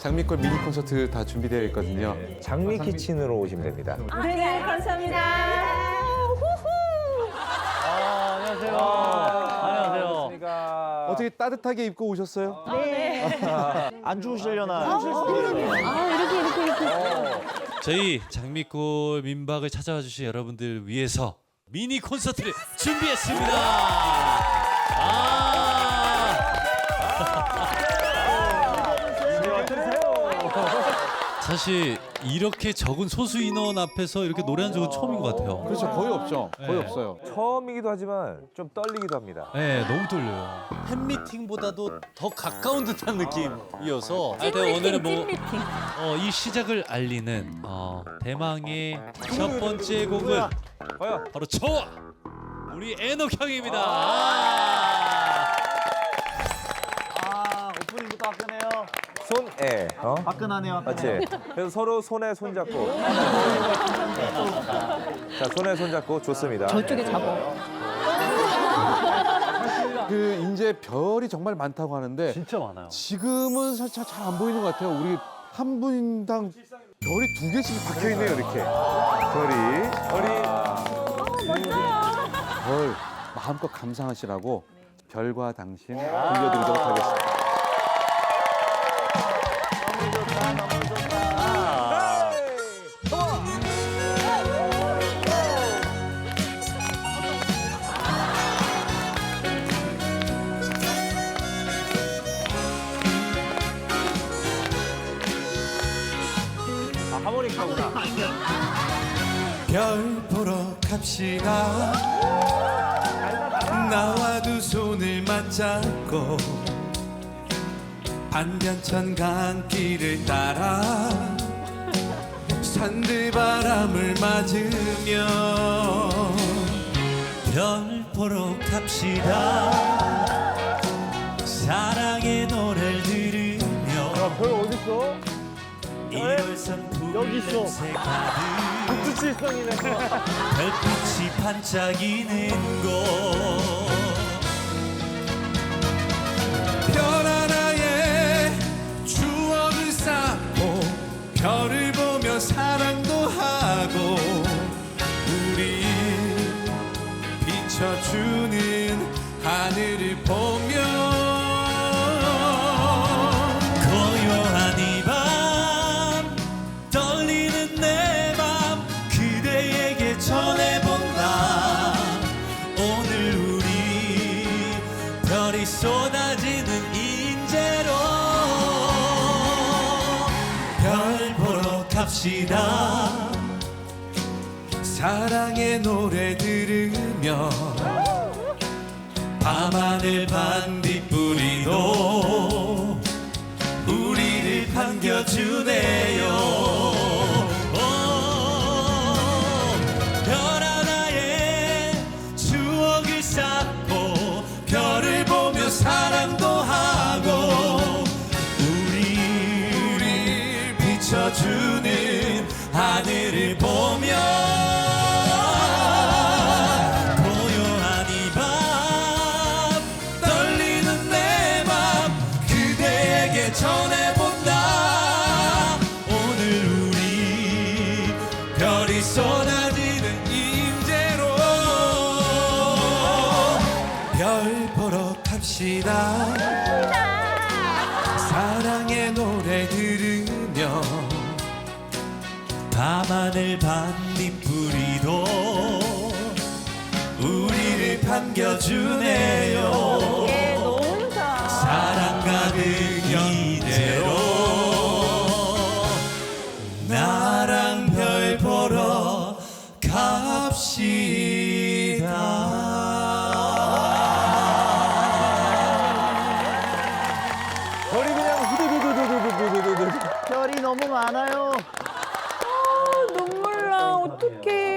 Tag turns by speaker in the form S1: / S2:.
S1: 장미꽃 미니 콘서트 다 준비되어 있거든요.
S2: 장미 키친으로 오시면 됩니다.
S3: 네, 감사합니다.
S4: 안녕하세요. 안녕하세요.
S1: 어떻게 따뜻하게 입고 오셨어요?
S4: 안 추우시려나?
S5: 저희 장미꽃 민박을 찾아와 주신 여러분들 위해서 미니 콘서트를 준비했습니다. 사실 이렇게 적은 소수 인원 앞에서 이렇게 노래한 적은 처음인 것 같아요.
S1: 그렇죠. 거의 없죠. 거의
S5: 네.
S1: 없어요.
S2: 처음이기도 하지만 좀 떨리기도 합니다.
S5: 네, 너무 떨려요. 팬미팅보다도 더 가까운 듯한 느낌이어서 하여튼 오늘은 뭐 이 시작을 알리는 대망의 첫 번째 곡은
S2: 과연
S5: 바로 저와 우리 애녹형입니다.
S4: 오프닝부터 화끈해요.
S2: 손에
S4: 화끈하네요.
S2: 맞지? 그래서 서로 손에 손잡고 자 손에 손잡고 좋습니다.
S3: 저쪽에 잡어.
S1: 그 이제 별이 정말 많다고 하는데
S4: 진짜 많아요.
S1: 지금은 살짝 잘 안 보이는 것 같아요. 우리 한 분당 별이 2개씩 박혀 있네요, 이렇게. 별 마음껏 감상하시라고 별과 당신 들려드리도록 하겠습니다.
S2: 하모니카구나.
S6: 별 보러 갑시다. 나와 두 손을 맞잡고 반변천 강길을 따라 산들바람을 맞으며 별 보러 갑시다. 사랑의 노래를 들으며
S2: 별 어딨어?
S6: 1월선
S4: 여기 있어.
S6: 푸른새 가득
S2: 국수칠성이네.
S6: 별빛이 반짝이는 곳 별 하나에 추억을 쌓고 별을 보며 사랑도 하고 우리 비춰주는 하늘을 보며 고요한 이 밤 떨리는 내 맘 그대에게 전해본다. 오늘 우리 별이 쏟아지는 인재로 별 보러 갑시다. 사랑의 노래 들으며 밤하늘 반딧불이도 우리를 반겨주네요. 별 하나에 추억을 쌓고 별을 보며 사랑도 하고 우리를 비춰주는 하늘을 보며 고요한 이 밤 떨리는 내 맘 그대에게 전해본다. 오늘 우리 별이 쏟아지는 인재로 별 보러 갑시다. 사랑의 노래 들으며 밤하늘 반딧불이도 우리를 반겨주네요. 사랑 가득 이대로 나랑 별 보러 갑시다.
S2: 별이 그냥 후두두두두두두두두.
S4: 별이 너무 많아요.
S3: 눈물 나. 어떡해.